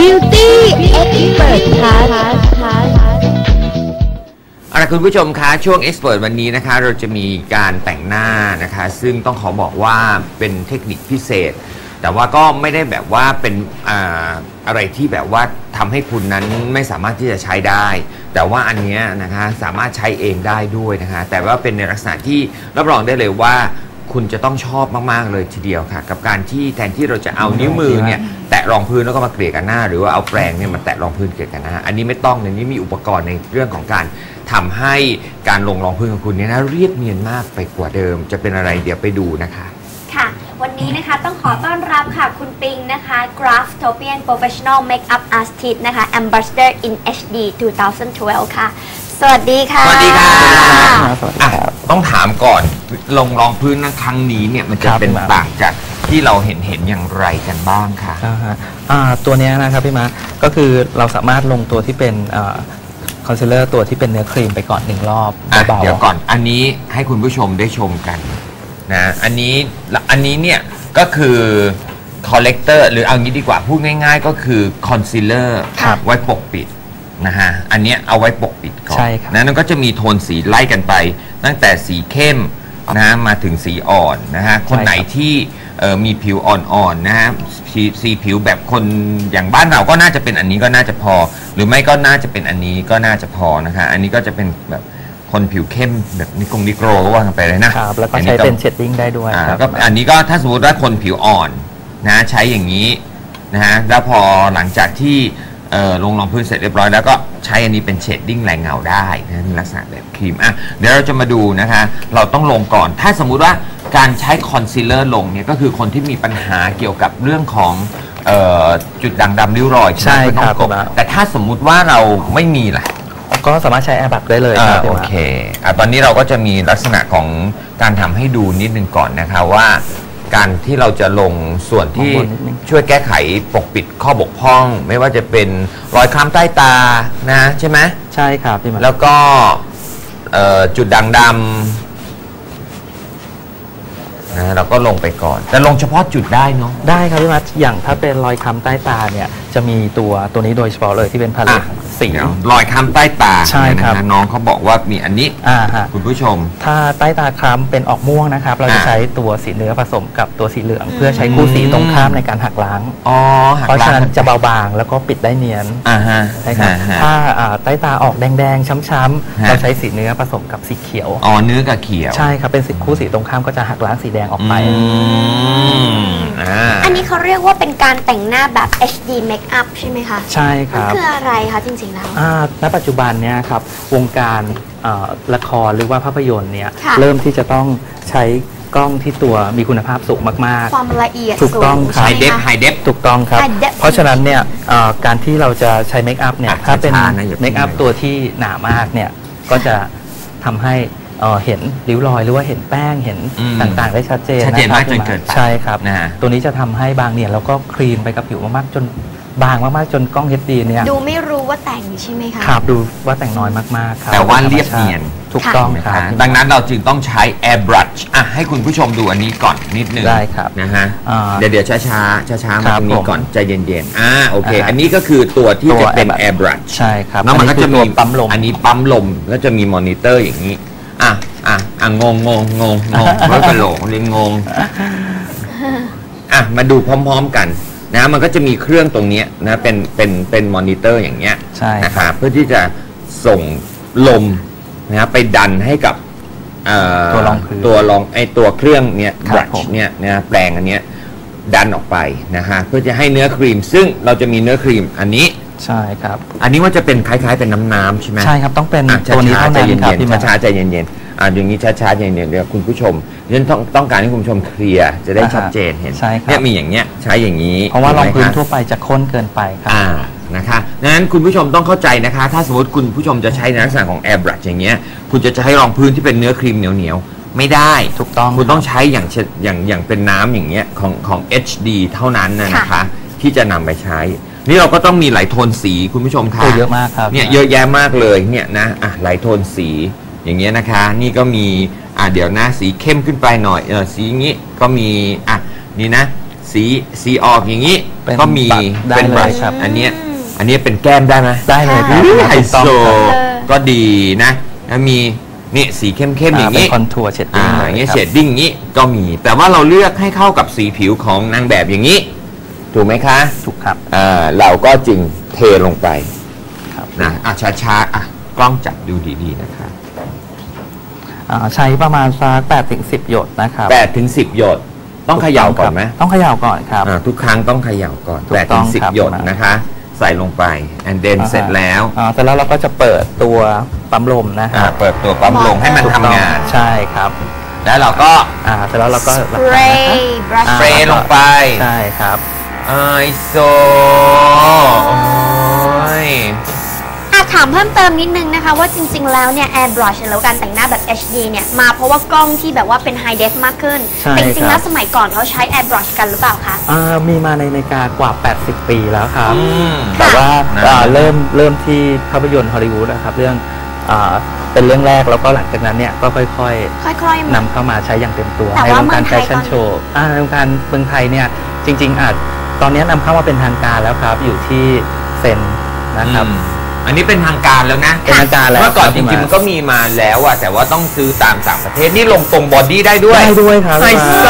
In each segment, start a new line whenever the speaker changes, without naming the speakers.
Beauty Expert Class
เอาล่ะคุณผู้ชมคะช่วง Expert วันนี้นะคะเราจะมีการแต่งหน้านะคะซึ่งต้องขอบอกว่าเป็นเทคนิคพิเศษแต่ว่าก็ไม่ได้แบบว่าเป็นอะไรที่แบบว่าทำให้คุณนั้นไม่สามารถที่จะใช้ได้แต่ว่าอันนี้นะคะสามารถใช้เองได้ด้วยนะคะแต่ว่าเป็นในลักษณะที่รับรองได้เลยว่าคุณจะต้องชอบมากๆเลยทีเดียวค่ะกับการที่แทนที่เราจะเอานิ้วมือเนี่ยแตะรองพื้นแล้วก็มาเกลี่ยกันหน้าหรือว่าเอาแปรงเนี่ยมาแตะรองพื้นเกลี่ยกันหน้าอันนี้ไม่ต้องในนี้มีอุปกรณ์ในเรื่องของการทำให้การลงรองพื้นของคุณเนี่ยนะเรียบเนียนมากไปกว่าเดิมจะเป็นอะไรเดี๋ยวไปดูนะคะ
ค่ะวันนี้นะคะต้องขอต้อนรับค่ะคุณปิงนะคะ Graftopian Professional Makeup Artist นะคะ Ambassador in HD 2012 ค่ะสวัสดีค่ะ
สวัสดีค่ะต้องถามก่อนลงรองพื้นนะครั้งนี้เนี่ยมันจะเป็นต่างจากที่เราเห็นอย่างไรกันบ้างคะ
ตัวนี้นะครับพี่มาก็คือเราสามารถลงตัวที่เป็นคอนซีลเลอร์ตัวที่เป็นเนื้อครีมไปก่อน1รอบเบาๆ
เดี๋ยวก่อนอันนี้ให้คุณผู้ชมได้ชมกันนะอันนี้เนี่ยก็คือคอลเลกเตอร์หรือเอางี้ดีกว่าพูดง่ายๆก็คือคอนซีลเลอร์ไว้ปกปิดนะฮะอันนี้เอาไว้ปกปิดก่อนนะนั่นก็จะมีโทนสีไล่กันไปตั้งแต่สีเข้มนะมาถึงสีอ่อนนะฮะคนไหนที่มีผิวอ่อนๆนะฮะสีผิวแบบคนอย่างบ้านเราก็น่าจะเป็นอันนี้ก็น่าจะพอหรือไม่ก็น่าจะเป็นอันนี้ก็น่าจะพอนะคะอันนี้ก็จะเป็นแบบคนผิวเข้มแบบนิโกรก็ว่ากันไปเลยนะครับ
แล้วก็ใช้เป็นเชดดิ้งได้ด้วยครับ
ก็อันนี้ก็ถ้าสมมติว่าคนผิวอ่อนนะใช้อย่างนี้นะฮะแล้วพอหลังจากที่ลงรองพื้นเสร็จเรียบร้อยแล้วก็ใช้อันนี้เป็นเชดดิ้งแรงเงาได้นะลักษณะแบบครีมเดี๋ยวเราจะมาดูนะคะเราต้องลงก่อนถ้าสมมุติว่าการใช้คอนซีลเลอร์ลงเนี่ยก็คือคนที่มีปัญหาเกี่ยวกับเรื่องของจุดด่างดำริ้วรอย
ใช่ครับ
แต่ถ้าสมมุติว่าเราไม่มีล่ะ
ก็สามารถใช้แอร์บักได้เลย
โอเคตอนนี้เราก็จะมีลักษณะของการทำให้ดูนิดนึงก่อนนะคะว่าการที่เราจะลงส่วนที่ช่วยแก้ไขปกปิดข้อบกพร่องไม่ว่าจะเป็นรอยคล้ำใต้ตานะใช่ไหม
ใช่ครับพี่มา
แล้วก็จุดด่างดำนะเราก็ลงไปก่อนแต่ลงเฉพาะจุดได้เนาะ
ได้ครับพี่มาอย่างถ้าเป็นรอยคล้ำใต้ตาเนี่ยจะมีตัวนี้โดยเฉพาะเลยที่เป็นพาเลตสี
รอยคล้ำใต้ตา
ใช่ครับ
น้องเขาบอกว่ามีอันนี้คุณผู้ชม
ถ้าใต้ตาคล้ำเป็นออกม่วงนะครับเราจะใช้ตัวสีเนื้อผสมกับตัวสีเหลืองเพื่อใช้คู่สีตรงข้ามในการหักล้างเพราะฉะนั้นจะเบาบางแล้วก็ปิดได้เนียนใช่ครับถ้าใต้ตาออกแดงๆช้ำๆเราใช้สีเนื้อผสมกับสีเขียว
เนื้อกับเขียว
ใช่ครับเป็นสีคู่สีตรงข้ามก็จะหักล้างสีแดงออกไป
อันนี้เขาเรียกว่าเป็นการแต่งหน้าแบบ HD Makeup ใช่ไหมคะ
ใช่ครับ
คืออะไรคะจริงๆแล้ว
ณปัจจุบันเนี่ยครับวงการละครหรือว่าภาพยนตร์เนี่ยเริ่มที่จะต้องใช้กล้องที่ตัวมีคุณภาพสูงมาก
ๆความละเอียด
ถูกต้องครับ
High Def
ถูกต้องครับเพราะฉะนั้นเนี่ยการที่เราจะใช้เมคอัพเนี่ยถ้าเป็นเมคอัพตัวที่หนามากเนี่ยก็จะทำให้เห็นริ้วรอยหรือว่าเห็นแป้งเห็นต่างๆได้ชัดเจน
มากจนเกินไป
ใช่ครับตัวนี้จะทำให้บางเนี่ยแล้วก็คลีนไปกับผิวมากๆจนบางมากๆจนกล้อง HD เนี่ย
ดูไม่รู้ว่าแต่งใช่ไหมคะ
ครับดูว่าแต่งน้อยมากๆครับ
แต่ว่าเรียบเนียน
ถูกต้องครับ
ดังนั้นเราจึงต้องใช้ Air Brush ให้คุณผู้ชมดูอันนี้ก่อนนิดนึง
ได้ครับ
นะฮะเดี๋ยวช้ามาตรงนี้ก่อนใจเย็นๆโอเคอันนี้ก็คือตัวที่จะเป็น Air Brush
ใช่ครับ
แล้วมันก็จะมีปั๊มลมอันนี้ปั๊มลมแล้วจะมีมอนิเตอร์อย่างนี้งงร้อยกะโหลกเรียนงงมาดูพร้อมๆกันนะมันก็จะมีเครื่องตรงนี้นะเป็นมอนิเตอร์อย่างเงี้ยนะครับเพื่อที่จะส่งลมนะไปดันให้กับตัวเครื่องเนี้ย brush เนี่ยนะแปรงอันเนี้ยดันออกไปนะฮะเพื่อจะให้เนื้อครีมซึ่งเราจะมีเนื้อครีมอันนี้
ใช่ครับ
อันนี้ว่าจะเป็นคล้ายๆเป็นน้ำใช่ไหม
ใช่ครับต้องเป็นตัวนี้เท่านั้นครับที่
ช้าใจเย็นอย่างนี้ช้าๆอย่างเดียวคุณผู้ชมฉันต้องการให้คุณผู้ชมเคลียร์จะได้ชัดเจนเห็นเนี่ยมีอย่างเงี้ยใช้อย่างนี้
เพราะว่ารองพื้นทั่วไปจะข้นเกินไปครับ
นะคะดังนั้นคุณผู้ชมต้องเข้าใจนะคะถ้าสมมติคุณผู้ชมจะใช้ในลักษณะของ Air Brush อย่างเงี้ยคุณจะใช้รองพื้นที่เป็นเนื้อครีมเหนียวไม่ได้
ถูกต้อง
คุณต้องใช้อย่างเป็นน้ำอย่างเงี้ยของ HD เท่านั้นนะคะที่จะนำไปใช้นี่เราก็ต้องมีหลายโทนสีคุณผู้ชมค่ะ
เยอะมากครับ
เนี่ยเยอะแยะมากเลยเนี่ยนะหลายโทนสีอย่างเงี้ยนะคะนี่ก็มีเดี๋ยวนะสีเข้มขึ้นไปหน่อยสีอย่างงี้ก็มีนี่นะสีออกอย่างนี้
เป็น
ก็มี
ได้
เป็น
เลย
บลัช
ครับ
อันเนี้ยเป็นแก้มได้ไหม
ได้เลยครับ
ไฮโซ
ถูกต้องครับ
ก็ดีนะแล้วมีนี่สีเข้มๆอย่าง
เป็น
นี้
คอนทัวร์เชดดิ้ง
อย่างเงี้ยเชดดิ้งอย่างนี้ก็มี แต่ว่าเราเลือกให้เข้ากับสีผิวของนางแบบอย่างนี้ ถูกไหมคะ
ถูกครับ
เราก็จึงเทลงไป
ครับ
นะช้าๆกล้องจับดูดีๆนะคะ
ใช้ประมาณสัก8-10 หยดนะครับ
8 ถึง 10 หยดต้องเขย่าก่อนไหม
ต้องเขย่าก่อนครับ
ทุกครั้งต้องเขย่าก่อน
ถูก
8
ต้
ถึ
อง
ง
ครับ
10 หยดนะคะ ใส่ลงไป and then เสร็จแล้ว
เสร็จแล้วเราก็จะเปิดตัวปั๊มลมนะค
อ่า
รับ
เปิดตัวปั๊มลงให้มันทำงาน
ใช่ครับ
แล้วเราก็
เสร็จแล้วเราก็
สเปรย์บรัช
สเปรย์ลงไป
ใช่ครับ
ไอโซโอ้ย
ถามเพิ่มเติมนิดนึงนะคะว่าจริงๆแล้วเนี่ย airbrush หรือการแต่งหน้าแบบ HD เนี่ยมาเพราะว่ากล้องที่แบบว่าเป็น high def มากขึ้น
ใช่
แต่จริงๆ
ค
แล้
รั
ว
บ
สมัยก่อนเขาใช้ airbrush กันหรือเปล่าคะ
มีมาในอเมริกากว่า 80 ปีแล้วครับ
ม
แต่ว่า
นะ
เริ่มที่ภาพยนตร์ฮอลลีวูดนะครับเรื่องเป็นเรื่องแรกแล้วก็หลังจากนั้นเนี่ยก็ค่อย
ค่อยๆ
ๆนำเข้ามาใช้อย่างเต็มตัว
แต่
ใน
ว่าว
งการ
เมืองไท
แฟ
ย
ชั่นโชว์ในวงการเมืองไทยเนี่ยจริงๆตอนนี้นำเข้ามาเป็นทางการแล้วครับอยู่ที่เซนนะครับ
อันนี้เป็นทางการแล้วนะ
เป็นทางการแล้ว
เมื่อก่อน
ครับ
จริงๆมันก็มีมาแล้วอะแต่ว่าต้องซื้อตามต่างประเทศนี่ลงตรงบอดี้ได้ด้วย
ได้ด้วยครับ
ไฮโซ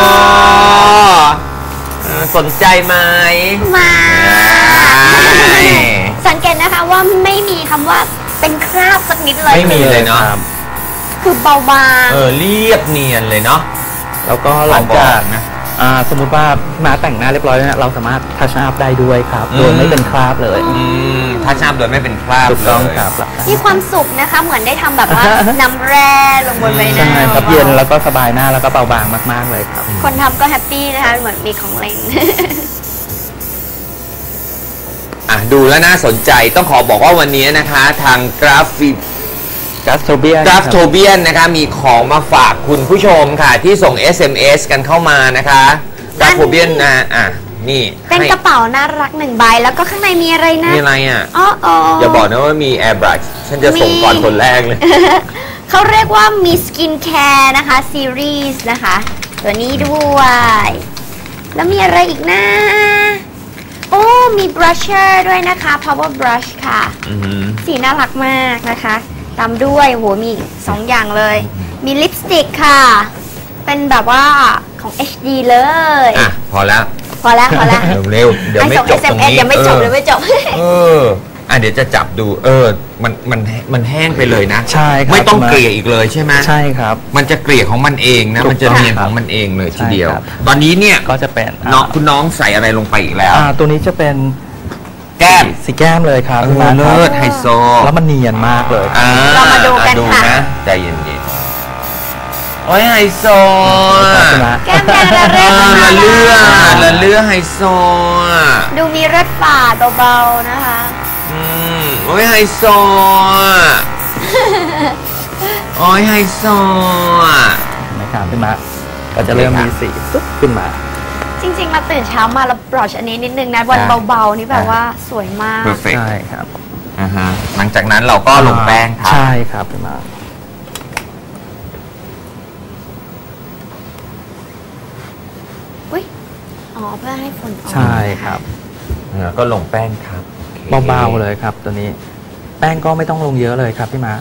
สนใจไหม
มา
ใช่
สังเกตนะคะว่าไม่มีคำว่าเป็นคราบสักนิดเลย
ไม่มีเลยเนาะ
ครับ
คือเบาบาง
เรียบเนียนเลยเนาะ
แล้วก็หลังจาก
นะ
สมมุติว่ามาแต่งหน้าเรียบร้อยแล้วเนี่ยเราสามารถทัชอัพได้ด้วยครับโดยไม่เป็นคราบเลย
ถ้าชาบโดยไม่เป็นคราบ
ถูก
เล
ต้อง
ย
ครับ
มีความสุขนะคะ เหมือนได้ทำแบบว่า น้ำแร่ลงบนใบหน้า
ใช่ครับ
บาๆ
เย็นแล้วก็สบายหน้าแล้วก็เบาบางมากๆเลยครับ
คนทำก็แฮปปี้นะคะ เหมือนมีของเล่น
ดูแล้วน่าสนใจต้องขอบอกว่าวันนี้นะคะทางกราฟิก
กัสโทเบีย
กราฟโทเบียนนะคะมีของมาฝากคุณผู้ชมค่ะ ที่ส่ง SMS กันเข้ามานะคะกราฟโทเบียนนะนี่
เป็น
ให้
กระเป๋าน่ารักหนึ่งใบ แล้วก็ข้างในมีอะไรนะ
มีอะไรอ่ะ
อ๋อ
อย่าบอกนะว่ามี Airbrush ฉันจะส่งก่อนคนแรกเลย
เขาเรียกว่ามีสกินแคร์นะคะซีรีส์นะคะ ตัวนี้ด้วย แล้วมีอะไรอีกนะ โอ้มีบรัชเชอร์ด้วยนะคะ power brush ค่ะ สีน่ารักมากนะคะตามด้วยโหมีอีก2 อย่างเลย มีลิปสติกค่ะ เป็นแบบว่าของ HD เลย
พอแล้ว
พอแล้ว
เร็วๆเดี๋ยวไม่จบตรงนี้
เดี๋ยวไม่จบเดี๋ยวไม่จบ
เดี๋ยวจะจับดูมันแห้งไปเลยนะ
ใช่ครับ
ไม่ต้องเกลี่ยอีกเลยใช่ไหม
ใช่ครับ
มันจะเกลี่ยของมันเองนะ
ถูกต้อง
มันจะเนียนของมันเองเลยทีเดียว
ใช่ครับ
ตอนนี้เนี่ย
ก็จะเป็น
คุณน้องใส่อะไรลงไปอีกแล้ว
ตัวนี้จะเป็น
แก้ม
สีแก้มเลยครับพี่มาร์ค
เลิศไฮโซ
แล้วมันเนียนมากเลย
เรามาดูกันค่ะ
ใจเย็นๆโอ้ยไฮโซ
แก้มแดงระเรื่อ
ละเลือไฮโซ
ดูมีรสฝาดเบาๆนะคะ
โอ้ยไฮโซโอ้ยไฮโซ
นะครับพี่มาร์คก็จะเริ่มมีสีปุ๊บขึ้นมา
จริงๆเราตื่นเช้ามาเราบรัชอันนี้นิดนึงนะวันเบาๆนี่แบบว่าสวยมาก
perfect
ใช่ครับ
หลังจากนั้นเราก็ลงแป้งทา
ใช่ครับพี่มาร์ค
อุ้ยอ๋อเพื่อให้ฝนออก
ใช่ครับ
ก็ลงแป้งทับ
เบาๆเลยครับตัวนี้แป้งก็ไม่ต้องลงเยอะเลยครับพี่มาร์ค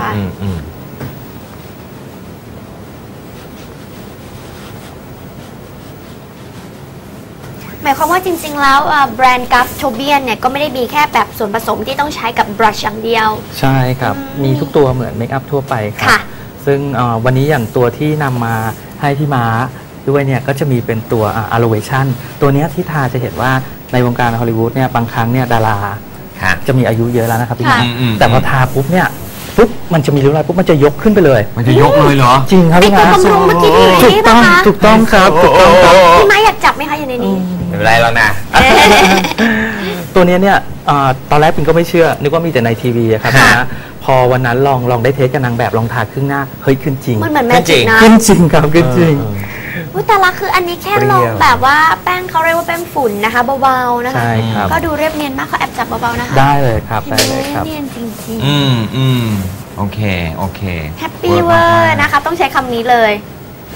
หมายความว่าจริงๆแล้วแบรนด์กัฟโทเบียนเนี่ยก็ไม่ได้มีแค่แบบส่วนผสมที่ต้องใช้กับบรัชอย่างเดียว
ใช่ครับมีทุกตัวเหมือนเมคอัพทั่วไปครั
ค่ะ
ซึ่งวันนี้อย่างตัวที่นำมาให้พี่ม้าด้วยเนี่ยก็จะมีเป็นตัว Aloeation ตัวเนี้ยที่ทาจะเห็นว่าในวงการฮอลลีวูดเนี่ยบางครั้งเนี่ยดาราจะมีอายุเยอะแล้วนะครับพี่ม้าแต่พอทาปุ๊บเนี่ยปุ๊บมันจะมีริ้วรอยปุ๊บมันจะยกขึ้นไปเลย
มันจะยกเลยเหรอ
จริงครับ
ไอ
พี่
ตัว
ม้า
บำรุงเมื่อกี้ที่อยู่ใน
ถูก
นี้
ต้
ป่ะ
อง
คะ
ถูกต้องครับถูกต้องครับ
พี่ไม้อยากจับไหมคะอยู่ในนี้
ไม่เป็นไรแล้วนะ
ตัวเนี้ยเนี่ยตอนแรกปิงก็ไม่เชื่อนึกว่ามีแต่ในทีวีอะครับนะพอวันนั้นลองได้เทสกับนางแบบลองทาครึ่งหน้าเฮ้ยขึ้นจริง
มันเหมือนแมจิกนะ
ขึ้นจริงครับขึ้นจริง
อุ๊ยแต่ละคืออันนี้แค่ลงแบบว่าแป้งเขาเรียกว่าแป้งฝุ่นนะคะเบาๆนะคะ
ใช่ครับ
ก็ดูเรียบเนียนมากเขาแอบจับเบาๆนะคะ
ได้เลยครับ
เห็น
ได้
ไหม
เลยครับ
เนียนจริง
โอเค
ๆแฮปปี้เวอร์นะคะต้องใช้คำนี้เลย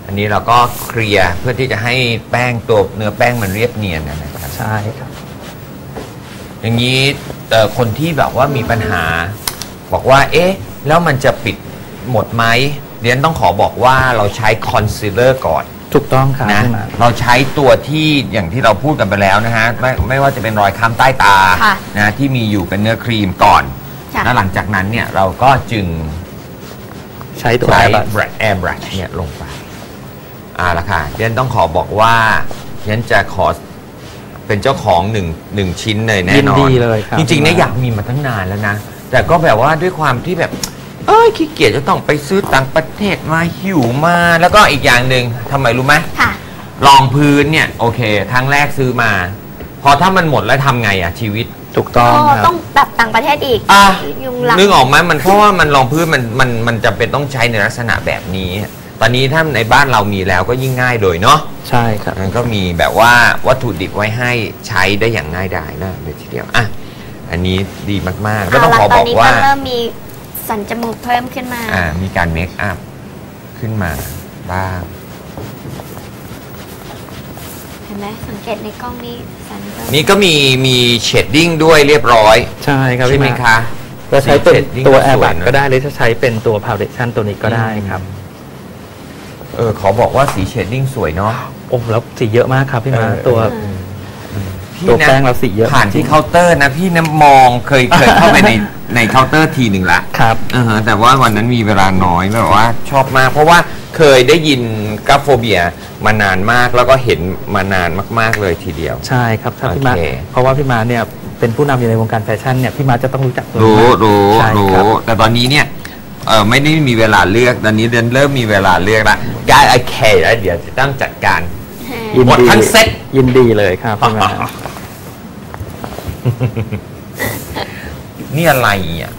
อันนี้เราก็เคลียร์เพื่อที่จะให้แป้งตัวเนื้อแป้งมันเรียบเนียนนะครับ
ใช่ครับ
อย่างนี้คนที่แบบว่ามีปัญหา บอกว่าเอ๊ะแล้วมันจะปิดหมดไหมเรียนต้องขอบอกว่าเราใช้คอนซีลเลอร์ก่อน
ถูกต้องครับ
นะ
พี่มา
เราใช้ตัวที่อย่างที่เราพูดกันไปแล้วนะฮะไม่ว่าจะเป็นรอยค้ำใต้ตา
ค่ะ
นะที่มีอยู่เป็นเนื้อครีมก่อน
ค่ะ
แล้วหลังจากนั้นเนี่ยเราก็จึง
ใช้ตัว
ใช้
แอร์บัส
แอร์บรัชเนี่ยลงไปละค่ะเรียนต้องขอบอกว่าเรียนจะขอเป็นเจ้าของหนึ่งชิ้นเลยแน่นอน
ยินดีเลยครับ
จริงๆเนี่ยอยากมีมาตั้งนานแล้วนะ แต่ก็แบบว่าด้วยความที่แบบขี้เกียจจะต้องไปซื้อต่างประเทศมาหิวมาแล้วก็อีกอย่างหนึ่งทำไมรู้ไหม
ค่ะ
รองพื้นเนี่ยโอเคครั้งแรกซื้อมา พอถ้ามันหมดแล้วทำไงอะชีวิต
ถูกต้องค
ต้
รั
อบ งแบบต่างประเทศอีก ยุงลัง
นึกออกไหมมันเพราะว่ามันรองพื้นมันจำเป็นต้องใช้ในลักษณะแบบนี้ ตอนนี้ถ้าในบ้านเรามีแล้วก็ยิ่งง่ายเลยเนาะ
ใช่ครับ
มันก็มีแบบว่าวัตถุดิบไว้ให้ใช้ได้อย่างง่ายดายนะเลยทีเดียวอันนี้ดีมากๆแล้วต้องขอบอกว่า
ตอนนี้ก็เริ่มมีสันจมูกเพิ่มขึ้นมา
มีการเมคอัพขึ้นมาบ้าง
เห็นไหมสังเกตในกล้องนี้สันเพิ่ม
นี่ก็มีเชดดิ้งด้วยเรียบร้อย
ใช่ครับ
ใช่
พี่
ไหม
มา
คะ
เราใช้เป็น
สี shading
ตัว
ก็
แอร์
สวย
บัส
นะ
ก็ได้หรือจะใช้เป็นตัวพาวเดชั่นตัวนี้ก็ได้ครับ
ขอบอกว่าสีเชดดิ้งสวยเนาะ
โอ้แล้วสีเยอะมากครับพี่มา
ตัวพี่
ตัว
นะ
แป้งเราสีเยอะ
ผ่านที่เคาน์เตอร์นะพี่นะมองเคยเข้าไปในเคาน์เตอร์ทีหนึ่งละ
ครับ
แต่ว่าวันนั้นมีเวลาน้อยแบบว่าชอบมาก เพราะว่าเคยได้ยินกราฟโฟเบียมานานมากแล้วก็เห็นมานานมากๆเลยทีเดียว
ใช่ครับถ้าพี่มา
โอเค
เพราะว่าพี่มาเนี่ยเป็นผู้นำอยู่ในวงการแฟชั่นเนี่ยพี่มาจะต้องรู้จักตัว
รู้
นี้มาก
รู้
ใช่
รู้
ครับ
แต่ตอนนี้เนี่ยไม่ได้มีเวลาเลือกตอนนี้เริ่มมีเวลาเลือกละได้โอเคแล้วเดี๋ยวจะต้องจัดการ
ยิน
หมด
ดี
ทั้งเซ็ต
ยินดีเลยครับพี่มา
นี่อะไรอ่ะ